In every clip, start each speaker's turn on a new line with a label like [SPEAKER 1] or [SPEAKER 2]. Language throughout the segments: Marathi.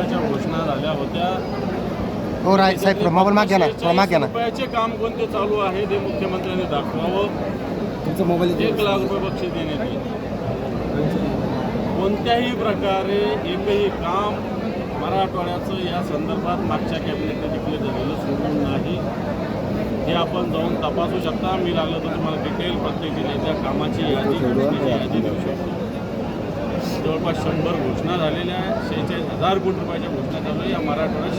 [SPEAKER 1] योजनाच्या घोषणा झाल्या होत्या।
[SPEAKER 2] हो राय साहेब मोबाईल माग घ्या ना, माग घ्या ना।
[SPEAKER 1] रुपयाचे काम कोणते चालू आहे ते मुख्यमंत्र्यांनी दाखवावं।
[SPEAKER 2] तुमचा मोबाईल
[SPEAKER 1] 1 लाख रुपये बक्षीस देण्यात येईल। कोणत्याही प्रकारे एकही काम मराठवाड्याचं या संदर्भात मागच्या कॅबिनेटने डिक्लेअर झालेलं सोडून नाही। हे आपण जाऊन तपासू शकता। मी लागलं तर तुम्हाला डिटेल प्रत्येक जिल्ह्याच्या कामाची यादी देऊ शकतो। जवळपास 100 घोषणा झालेल्या आहेत। 46,000 कोटी रुपयाच्या घोषणा चालू आहे। या मराठवाड्यात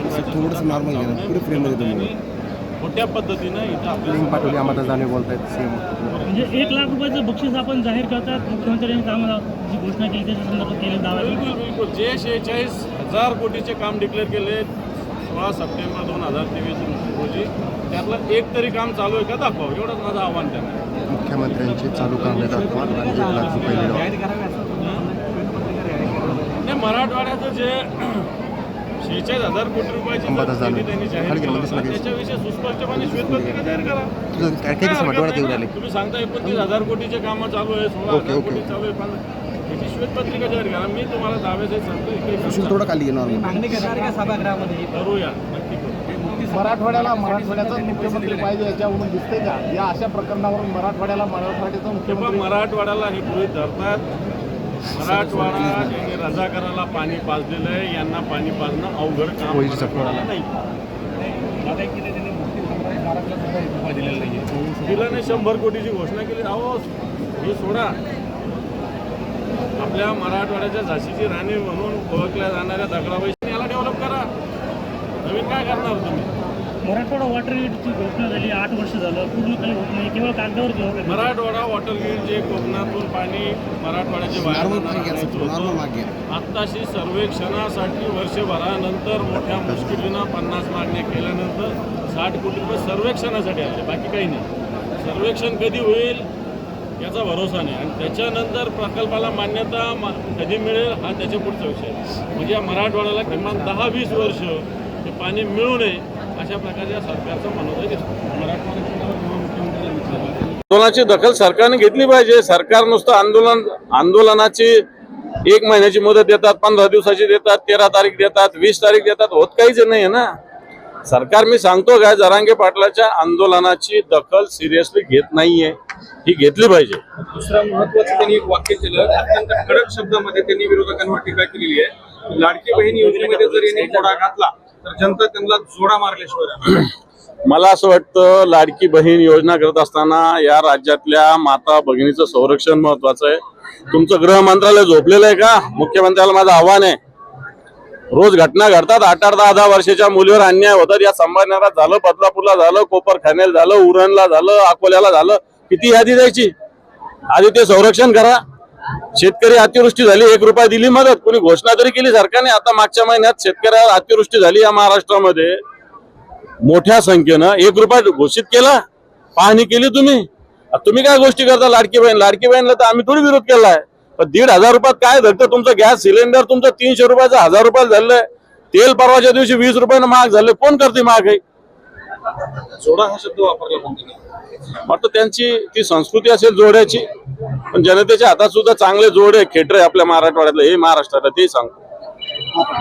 [SPEAKER 1] 46,000 मोठ्या पद्धतीनं इथं आपल्याला
[SPEAKER 2] पाठवली आम्हाला जाणे बोलतायत सीएम।
[SPEAKER 3] म्हणजे 1 लाख रुपयाचं बक्षीस आपण जाहीर करतात मुख्यमंत्र्यांनी कामाला जी घोषणा केली त्याच्या संदर्भात केले दावा।
[SPEAKER 1] बिलकुल जे 46,000 कोटीचे काम डिक्लेअर केले 16 सप्टेंबर 2023 रोजी त्यातलं एक तरी काम चालू आहे का दाखवा, एवढंच माझं आव्हान त्यांना।
[SPEAKER 2] मुख्यमंत्र्यांचे चालू कामे दाखवा आणि 1 लाख रुपये मिळवा।
[SPEAKER 1] नाही, मराठवाड्याचं जे 46,000 कोटी रुपयाची त्यांनी जाहीर केलं त्याच्याविषयी सुस्पष्टपणे श्वेतपत्रिका जाहीर करा। तुम्ही सांगता 29,000 कोटीचे कामं चालू आहे, 16,000 कोटी चालू आहे, पण त्याची श्वेतपत्रिका जाहीर करा। मी तुम्हाला दाव्यासहित सांगतो
[SPEAKER 2] थोडं खाली
[SPEAKER 3] मागणी करणार का सभागृहामध्ये?
[SPEAKER 1] करूया, नक्की करू।
[SPEAKER 4] मराठवाड्याचा मुख्यमंत्री पाहिजे याच्यावरून दिसते का? या अशा प्रकरणावरून मराठवाड्याचा मुख्यमंत्री
[SPEAKER 1] मराठवाड्याला हे गृहीत धरतात। मराठवाडा यांनी रजाकाराला पाणी पाजलेलं आहे, यांना पाणी पाजणं अवघड काम नाही। दिलं नाही 100 कोटीची घोषणा केली। अहो हे सोडा, आपल्या मराठवाड्याच्या झाशीची राणी म्हणून ओळखल्या जाणाऱ्या दगडाबाई याला डेव्हलप करा। नवीन काय करणार तुम्ही?
[SPEAKER 3] मराठवाडा वॉटर ग्रीडची घोषणा झाली, 8 वर्ष झालं, पूर्ण काही होत नाही, केवळ कागदावर घेऊ।
[SPEAKER 1] मराठवाडा वॉटर ग्रीड जे कोकणातून पाणी मराठवाड्याचे आत्ताशी सर्वेक्षणासाठी वर्षभरानंतर मोठ्या मुश्किलीनं 50 मागण्या केल्यानंतर 60 कोटी रुपये सर्वेक्षणासाठी आले, बाकी काही नाही। सर्वेक्षण कधी होईल याचा भरोसा नाही, आणि त्याच्यानंतर प्रकल्पाला मान्यता कधी मिळेल हा त्याच्या पुढचा विषय। म्हणजे या मराठवाड्याला किमान 10-20 वर्ष ते पाणी मिळू नये अशा प्रकारच्या सरकारचं मनोदय दिसतो। आंदोलनाची दखल सरकारने घेतली पाहिजे। सरकार नुसतं आंदोलनाची 1 महिन्याची मुदत देतात, 15 दिवसाची देतात, 13 तारीख देतात, 20 तारीख देतात, होत काहीच नाही ना। सरकार मी सांगतो काय, जरांगे पाटलाच्या आंदोलनाची दखल सिरियसली घेत नाहीये, ही घेतली पाहिजे।
[SPEAKER 5] दुसरा महत्वाचं त्यांनी एक वाक्य केलं, अत्यंत कडक शब्दामध्ये त्यांनी विरोधकांवर टीका केलेली आहे। लाडकी बहीण योजनेमध्ये जर यांनी घोडा घातला तर जनता त्यांना जोडा मारल्याशिवाय।
[SPEAKER 1] मला असं वाटतं लाडकी बहीण योजना करत असताना या राज्यातल्या माता भगिनीचं संरक्षण महत्वाचं आहे। तुमचं गृह मंत्रालय झोपलेलं आहे का? मुख्यमंत्र्याला माझं आव्हान आहे, रोज घटना घडतात, 8-8, 10-10 वर्षाच्या मुलीवर अन्याय होतात। या संभाजीनगरात झालं, बदलापूरला झालं, कोपरखान्याला झालं, उरणला झालं, अकोल्याला झालं, किती यादी द्यायची? आधी ते संरक्षण करा। शेतकरी अतिवृष्टी झाली, 1 रुपया दिली मदत, कोणी घोषणा तरी केली सरकारने? आता मागच्या महिन्यात शेतकऱ्यावर अतिवृष्टी झाली या महाराष्ट्रामध्ये, मोठ्या संख्येनं 1 रुपया घोषित केला, पाहणी केली तुम्ही काय गोष्टी करता? लाडकी बहीणला तर आम्ही थोडी विरोध केलाय, पण 1,500 रुपयात काय धरतं? तुमचं गॅस सिलेंडर तुमचं 300 रुपयाचं 1000 रुपयाला झालंय, तेल परवाच्या दिवशी 20 रुपयानं महाग झालंय, कोण करते महागाई?
[SPEAKER 5] जोडा हा शब्द वापरला म्हणते,
[SPEAKER 1] वाटतं त्यांची ती संस्कृती असेल जोड्याची, पण जनतेच्या हातात सुद्धा चांगले जोड आहे, खेटर आहे आपल्या मराठवाड्यातलं, हे महाराष्ट्राला ते सांगतो।